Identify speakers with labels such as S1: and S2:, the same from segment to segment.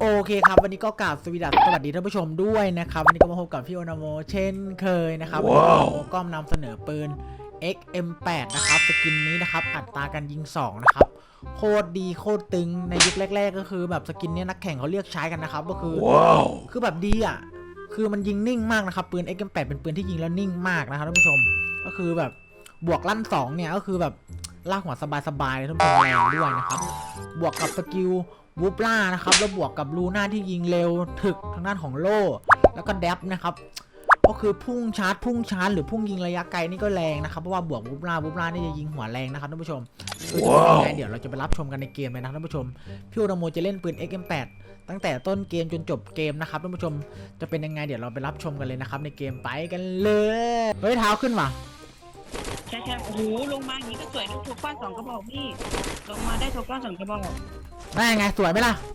S1: โอเคครับวันนี้ก็กราบสวัสดีท่านผู้ชมด้วยนะครับวันนี้ก็มาพบกับพี่โอนาโมเช่นเคยนะครับวันนี้โอนาโมก็นำเสนอปืน XM8 นะครับสกินนี้นะครับอัตราการยิง2นะครับโคตรดีโคตรตึงในยุคแรกๆก็คือแบบสกินนี้นักแข่งเขาเรียกใช้กันนะครับก็คือคือแบบดีอ่ะคือมันยิงนิ่งมากนะครับปืน XM8 เป็นปืนที่ยิงแล้วนิ่งมากนะครับท่านผู้ชมก็คือแบบบวกลั่น2เนี่ยก็คือแบบลากหัวสบายๆเลยท่านผู้ชมแรงด้วยนะครับบวกกับสกิลวูปล่านะครับแล้วบวกกับลูน่าที่ยิงเร็วถึกทางด้านของโล่แล้วก็แดบนะครับก็คือพุ่งชาร์จหรือพุ่งยิงระยะไกลนี่ก็แรงนะครับเพราะว่าบวกวูปล่านี่จะยิงหัวแรงนะครับท่านผู้ชมคือจะเป็นยังไงเดี๋ยวเราจะไปรับชมกันในเกมเลยนะท่านผู้ชมพี่โอนาโมจะเล่นปืน XM8 ตั้งแต่ต้นเกมจนจบเกมนะครับท่านผู้ชมจะเป็นยังไงเดี๋ยวเราไปรับชมกันเลยนะครับในเกมไปกันเลยเฮ้ยเท้าขึ้นว่ะ
S2: ใช่โอ้โหลงมาอย่างนี้ก็สวยทุกก้อน2 กระบอกพี่ลงมาได้ทุกก้อน2 กระบอก
S1: ได้ไงสวยไหมล่ะ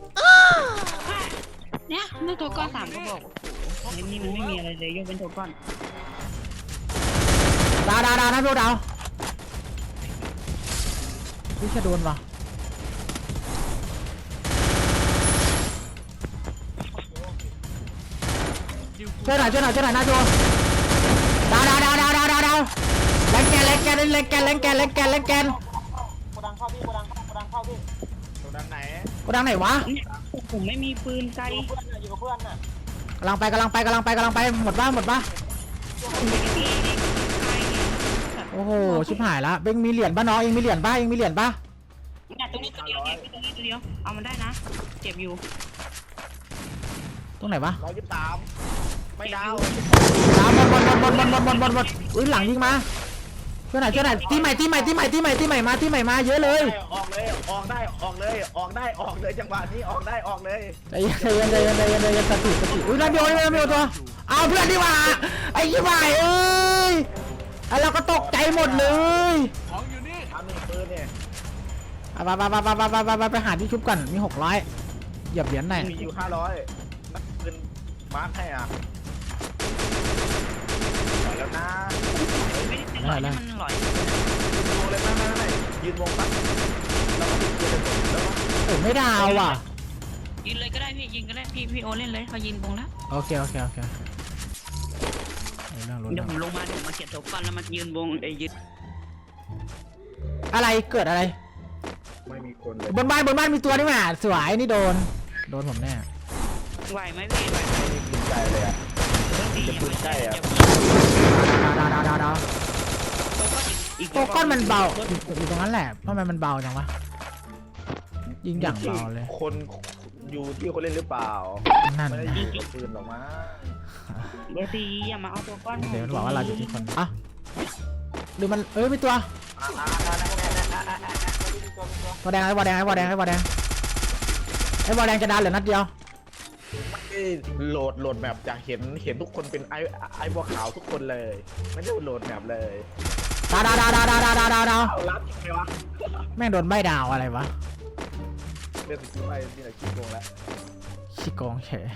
S2: เนี่ยได้ทุกก้อน3 กระบอกโอ้โหนี่มันไม่มีอะไรเลยยกเป็นทุกก้อน
S1: ดาวนะดูดาวพี่จะโดนว่ะช่วยหน่อยนะจูดาวแรงแกนโกดังเข้าพี่โกดังไหนวะ
S2: ผมไม่มีปืนไกล
S1: อยู่กับเพื่อนน่ะกำลังไปหมดปะโอ้โหชิบหายละเบ้งมีเหรียญป่ะน้องเองมีเหรียญป่ะ
S2: เนี่ยตรงนี้ตัวเดียวเอามันได้นะเจ็บอยู่
S1: ตรงไหนวะ
S3: 123ไม่ดาว
S1: หมดอุ้ยหลังยิงมาช่วยหน่อยที่ใหม่มาเยอะเลย
S3: ออกเลยจังหวะนี้ออกเลย
S1: ใจเย็นสติอุ้ยนั่นโยตัวเอาเพื่อนดีกว่าไอ้ยี่บ่ายเอ้ยไอ้เราก็ตกใจหมดเลย
S3: ของอยู่นี่ทำปืนเนี่ย
S1: ไปหาที่ชุบก่อนมี600เหยียบเหรียญหน่อย
S3: มีอยู่500นักปืนมาร์คให้อ่ะแล้วนะ
S2: ไม่ได้มันหลอย
S3: วงเลยไม่ยืนวงปั๊บแล้วก็ยืนแล้ว
S1: โอ้ไม่ดาวว่ะ
S2: ยิงเลยก็ได้พี่ยิงก็ได้พี่โอเล่นเลยเขายิงวงแล้ว
S1: โอเค
S2: เดี๋ยวผมลงมาเก็บทุกก้อนแล้วมายืนวงยืน
S1: อะไรเกิดอะไร
S3: ไม่มีคนเลย
S1: บนบ้านมีตัวนี่หว่าสวยนี่โดนผมแน่
S2: ไหวไหมพี่ไหวไหม
S3: ปืนใกล้เลยอ่ะจะปืนใกล้อ่ะ
S1: ดาวตัวก้อนมันเบาอยู่ตรงนั้นแหละเพราะมันเบาจังวะยิงอย่างเบาเลย
S3: คนอยู่ที่คนเล่นหรือเปล่า
S1: นั่น
S3: ไม่ได้ยิงปืนหรอกมั้ง
S2: เบอร์ตีอย่ามาเอาตัวก้อน
S1: เดี๋ยวมันบอกว่าเราอยู่ที่คนอ่ะหรือมันมีตัวแดงไอ้บอลแดงไอ้บอลแดงจะดาวเหลือนัดเดียว
S3: โหลดแบบอยากเห็นทุกคนเป็นไอ้บัวขาวทุกคนเลยไม่ได้โหลดแบบเลย
S1: ดาว
S3: รับยังไงวะ
S1: แม่งโดนใบดาวอะไรวะ
S3: เรื่องไปนี่แหละขี้โกงแล้ว
S1: ขี้โกงเฉย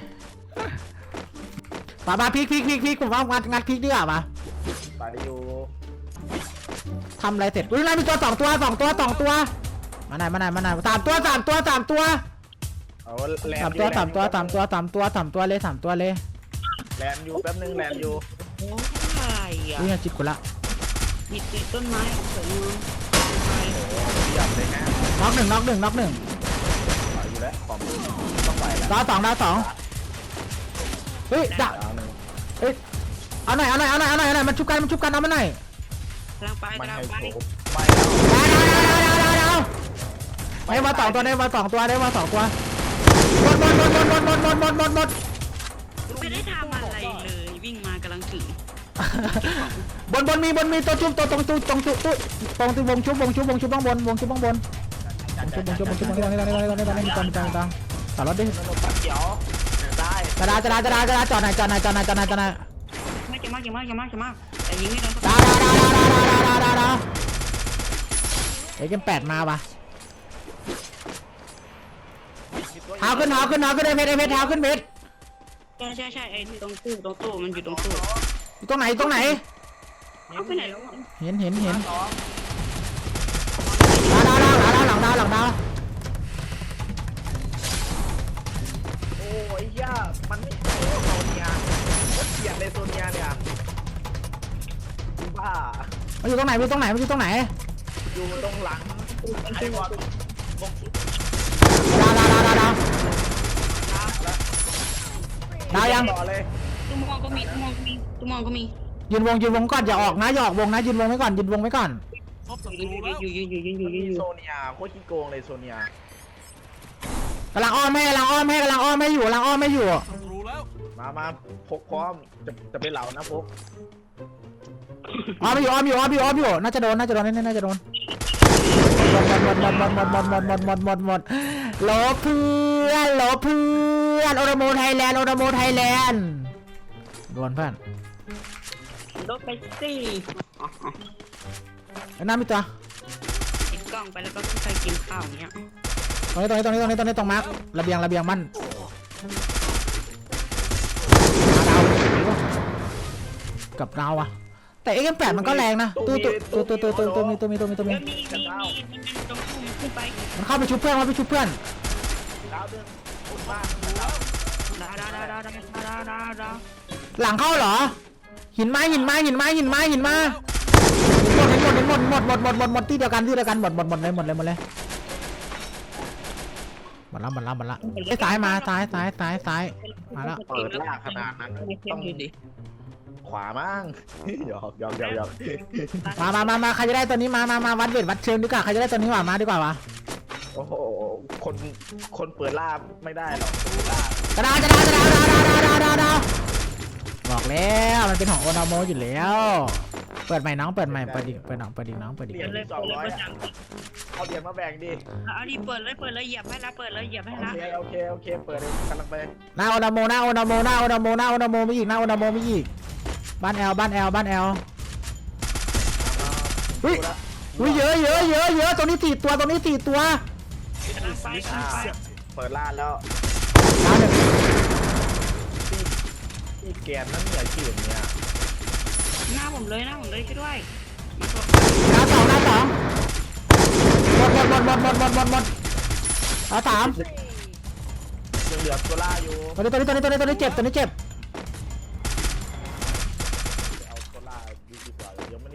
S1: ป่าพลิกผมว่างัดพลิกดีกว่าป่ะ
S3: ไปอยู่
S1: ทำอะไรเสร็จอุ้ยนั่นมีตัว2 ตัวมาไหน3 ตัว
S3: เอาแลน
S1: 3 ตัวเลย
S3: แลนอยู่แป๊บนึงแลนอยู่
S2: โอ้ย
S1: อุ้ยจิตกูละ
S2: ติดต้นไม้สวยงาม
S3: หยับเลยนะ
S1: น็อกหนึ่ง
S3: อยู่แล้วของต้องไปแล้ว
S1: ดาวสองเฮ้ยดาวเฮ้ยเอาหน่อยมันชุบกันเอามาหน่อย
S2: กำลังไป
S1: ดาวได้มา2 ตัวหมด
S2: ไม่ได้ทำอะไรเลยวิ่งมากำลังถือบ
S1: นมีตัวชุบตัวตรงวงชุบข้างบนต่อรถดิ
S3: เดี๋ยวได้
S1: จะจอดไหน
S2: ไม่เก่งมากแต่ยิงไม่โดน
S1: ดาวXM8มาปะเท้าขึ้นเม็ดเท้าขึ้นเม็ด
S2: ใช่ไอ้ตรงตู้มันอยู่ตรงตู้
S1: อยู่ตรงไหน
S2: เอาไปไหนแล้ว
S1: เห็นดาว
S3: ยย่ามันไม่ใช่โซเนียโคตรเกลียดเลยโซเนียเนี่ยบ้า
S1: มันอยู่ตรงไหนมันอยู่ตรงไหนมันอยู่ตรงไหน
S3: อยู่ตรงหลังไอ้บอลบง
S1: ดาวยัง
S3: ต่อเลย
S2: ตุ้มองก็มีตุ้มองก็มี
S1: ยืนวงก่อนอย่าออกนะอย่าออกวงนะยืนวงไว้ก่อนยืนวงไว้ก่อน
S2: อยู่
S3: โซเนียโคตรขี้โกงเลยโซเนีย
S1: กำลังอ้อมให้อยู่
S3: มาพกพร้อมจะเป็นเหล่านะพก
S1: อ้อมอยู่น่าจะโดนน่าจะโดนน่าจะโดนหมดโลเพื่อนโอโรโมไทยแลนด์โดนเพื่อน
S2: รถไปสิ
S1: ไอ้น้ามีตัว
S2: ติดกล้องไปแล้วก็ใครกินข้าวเนี้ย
S1: ตรงนี้ตรงมาร์คระเบียงมันกับเราอะแต่ XM8 มันก็แรงนะตัวมีมันตรงทุ่มขึ้นไปมันเข้าไปชุบเพื่อน
S3: ดาวเดือนคุณบ้านดาว
S1: หลังเข้าเหรอหินไม้หมดที่เดียวกันหมดเลยหมดละไอ้ซ้ายมาซ้ายมาแล้ว
S3: เปิดล่าขนาดนั้นต้องขวามั่งหยอก
S1: มาใครจะได้ตัวนี้มาวัดเวทวัดเชิงดีกว่าใครจะได้ตัวนี้มาดีกว่าวะ
S3: โอ้โหคนเปิดล่าไม่ได้หรอกล่าก
S1: ระดาบอกแล้วมันเป็นของโอนาโมอยู่แล้วเปิดใหม่น้องเปิดอีกน้อง
S3: เหรียญเอาเหรียญมาแบ่งดิ
S2: เอาดิเปิดเลยเหยียบให้ละเปิดเลยเหยียบให้ละ
S3: โอเคเปิดกำลังไป
S1: หน้าโอนาโมไม่อีกบ้านแอลอุ้ยเยอะตัวนี้4 ตัว
S2: กำลังไป
S3: เปิดล่าแล้ว
S1: ดาว 1
S3: ที่แกนนั่นเนี่ยชื่อเนี่ย
S2: หน้าผมเลยช่วยด้วย
S1: ดาว 2หมดดาว 3
S3: ยังเหลือตัวล่าอยู่
S1: ตัวนี้เจ็บ
S3: เอาตัวล่าดีกว่ายังไม่ได้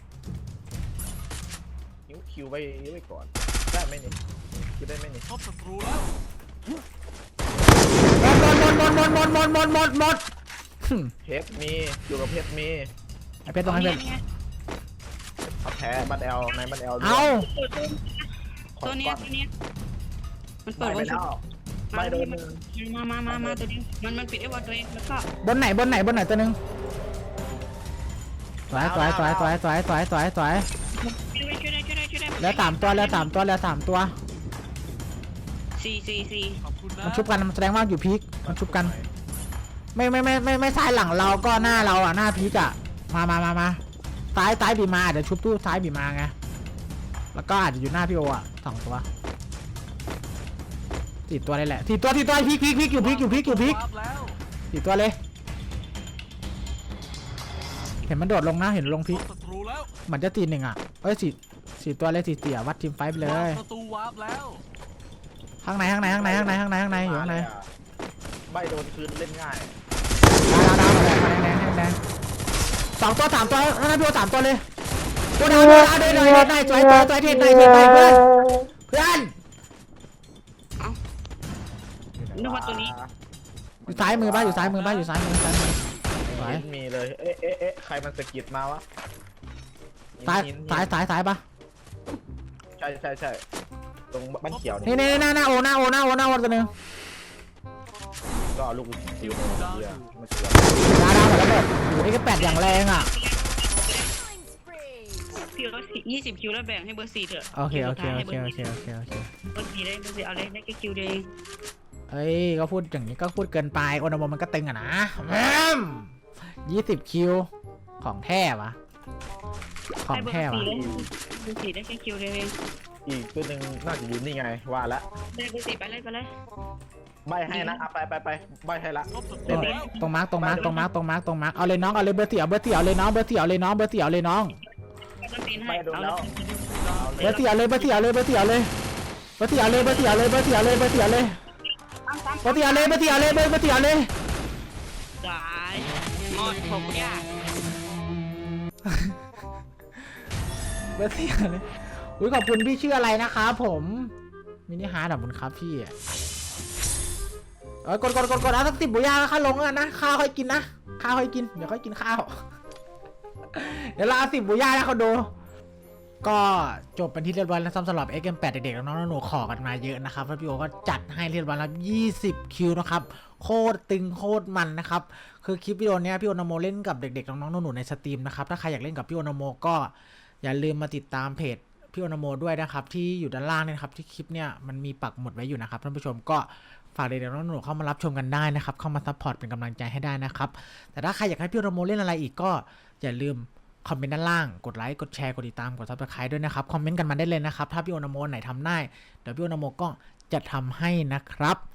S3: คิวไว้ก่อนได้ไหมนี่คิวได้ไหมนี่
S1: หมด
S3: เพชรมีอยู่กับเพชรมี
S1: ไอเพชรตรงไหนเพชร
S3: เอาแพ้บัตแอลในบัตแอล
S1: เอา
S2: ตัวนี้มันเปิด
S3: ไป
S2: วัน
S3: แล้วไม่โดน
S2: มาตัวนี้มันปิดไอ้วันตัวเองแล้วก็
S1: บนไหนตัวนึงสวย
S2: ช่วยได้
S1: แล้ว3 ตัว4 มันชุบกันมันแสดงว่าอยู่พีคมันชุบกันไม่ซ้ายหลังเราก็หน้าเราอ่ะหน้าพีคอ่ะมาซ้ายบีมาเดี๋ยวชุบตู้ซ้ายบีมาไงแล้วก็อาจจะอยู่หน้าพี่โออ่ะ2 ตัว4 ตัวเลยแหละ4 ตัวพีคอยู่พีค4 ตัวเลยเห็นมันโดดลงนะเห็นลงพีคเหมือนจะตี 1 อ่ะเอ้ย4 ตัวเลย4 เตี่ยวัดทีมไฟไปเลยข้างในอยู่ข้างใน
S3: ไม่โดนคืนเล่นง่าย
S1: ดาวแดง2 ตัว 3 ตัวนั่นพี่โอ3 ตัวเลยตัวดาวเดินได้สวยเทนได้เพื่อน
S2: นึกว่าตัวนี้
S1: อยู่ซ้ายมืออยู่ซ้ายมือสวย
S3: มีเลยเอ๊ะใครมันสะกิดมาวะ
S1: ซ้ายปะ
S3: ใช่ตรงบ้านเขียว
S1: นี่หน้าโอตัวนึง
S3: ก็ลูกคิวมาเขียว
S1: ดาวหมดแล้วหมดโอ้ย8อย่างแรงอ่ะ
S2: คิวแล้ว20 คิวแล้วแบ่งให้เบอร์ 4เถอะ
S1: โอเค
S2: เบอร์ 4
S1: โอ
S2: ได้
S1: เค
S2: เบอร์ 4เอาเลยได้แค่คิวเดียว
S1: เอ้ยก็พูดอย่างนี้ก็พูดเกินไปโอนาโมมันก็ตึงอ่ะนะ20 คิวของแท้วะของแท้วะ
S2: เบอร์ 4ได้แค่คิวเดียวเอง
S3: อีกตัวหนึ่งน่าจะอยู่นี่ไงว่าละ
S2: ได้เบอร์ 4ไปเลย
S3: ใบให้นะไปใบให้ละ
S1: ตรงมาร์กเอาเลยน้องเอาเลยเบอร์4เอาเลยน้องเบอร์4เอาเลยน้อง
S3: ใบโดนแล้ว
S1: เบอร์4เอาเลย
S2: ตั้งซ้
S1: ปฏิเอาเลยปฏิเอาเลยเบอร์ปฏิเอาเลย
S2: สายหมดผมยาก
S1: เบอร์สี่เลยอุ้ยขอบคุณพี่ชื่ออะไรนะครับผมมินิฮาร์ดขอบคุณครับพี่กดเอาสัก10บุญญาค่าลงแล้วนะข้าวค่อยกินนะข้าวค่อยกินเดี๋ยวค่อยกินข้าว เดี๋ยวเราเอา10บุญญาให้เขาดูก็จบเป็นที่เรียบร้อยแล้วสำหรับ XM8 เด็กๆน้องๆหนูๆขอกันมาเยอะนะครับแล้วพี่โอก็จัดให้เรียบร้อยแล้ว20 คิวนะครับโคตรตึงโคตรมันนะครับคือคลิปวิดีโอเนี้ยพี่โอนาโมเล่นกับเด็กๆน้องๆหนูๆในสตรีมนะครับถ้าใครอยากเล่นกับพี่โอนาโมก็อย่าลืมมาติดตามเพจพี่โอนาโมด้วยนะครับที่อยู่ด้านล่างเนี่ยนะครับที่คลิปเนี่ยมันมีปักหมุดไว้อยู่นะครับท่านผู้ชมก็ฝากเด็กๆน้องๆหนูๆเข้ามารับชมกันได้นะครับเข้ามาซัพพอร์ตเป็นกำลังใจให้ได้นะครับแต่ถ้าใครอยากให้พี่โอนาโมเล่นอะไรอีกก็อย่าลืมคอมเมนต์ด้านล่างกดไลค์กดแชร์กดติดตามกด Subscribe ด้วยนะครับคอมเมนต์กันมาได้เลยนะครับถ้าพี่โอนาโมไหนทำได้เดี๋ยวพี่โอนาโมก็จะทำให้นะครับ